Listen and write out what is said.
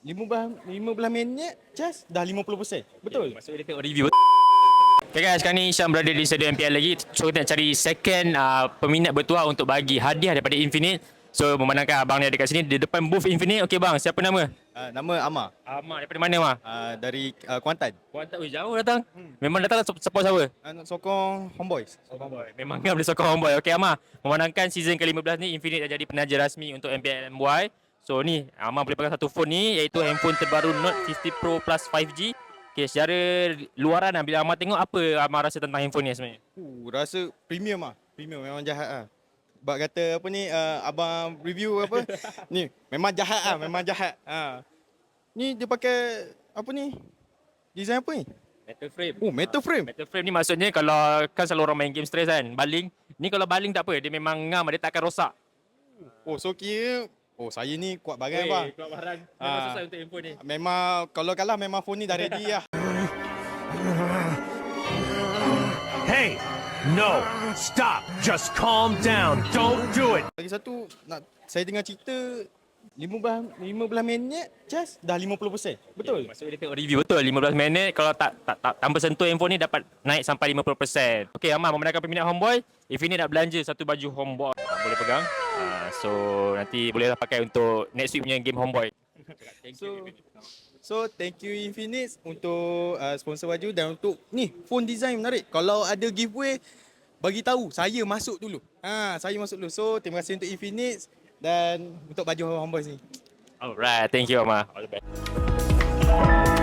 15 minit just dah 50%. Betul? Maksudnya dia tengok review. Okay guys, sekarang ni Syam berada di stadium MPL lagi. So kita nak cari second peminat bertuah untuk bagi hadiah daripada Infinite. So memandangkan abang ni ada kat sini di depan booth Infinite. Okay bang, siapa nama? Nama Amar. Amar daripada mana Amar? Dari Kuantan. Kuantan, jauh datang. Memang datang support siapa? Nak sokong Homeboys. Memang kan boleh sokong homeboy. Okay Amar, memandangkan season ke-15 ni Infinite dah jadi penaja rasmi untuk MPL MY. So ni Amar boleh pegang satu phone ni, iaitu handphone terbaru Note 50 Pro Plus 5G. Okay, secara luaran lah, bila Amar tengok, apa Amar rasa tentang handphone ni sebenarnya? Rasa premium ah. Premium memang jahat ah. Bak kata apa ni, abang review apa? Ni memang jahat ah, memang jahat. Ni dia pakai apa ni? Design apa ni? Metal frame. Metal frame. Metal frame ni maksudnya kalau kan selalu orang main game stress kan, baling. Ni kalau baling tak apa, dia memang ngam, dia tak akan rosak. So kira saya ni kuat barang bang. Kuat barang. Memang susah untuk handphone ni. Memang kalau kalah memang phone ni dah ready lah. Hey, no, stop, just calm down, don't do it. Lagi satu, saya dengar cerita 15 minit just dah 50%. Betul? Maksudnya dia tengok review betul. 15 minit kalau tak tanpa sentuh handphone ni dapat naik sampai 50%. Okey Amar, membenarkan peminat Homeboy, Infinite nak belanja satu baju Homeboy. Boleh pegang. So nanti bolehlah pakai untuk next week punya game Homeboy. So thank you Infinix untuk sponsor baju dan untuk ni phone design menarik. Kalau ada giveaway bagi tahu, saya masuk dulu. Saya masuk dulu. So terima kasih untuk Infinix dan untuk baju Homeboys ni. Alright, thank you Amar. All the best.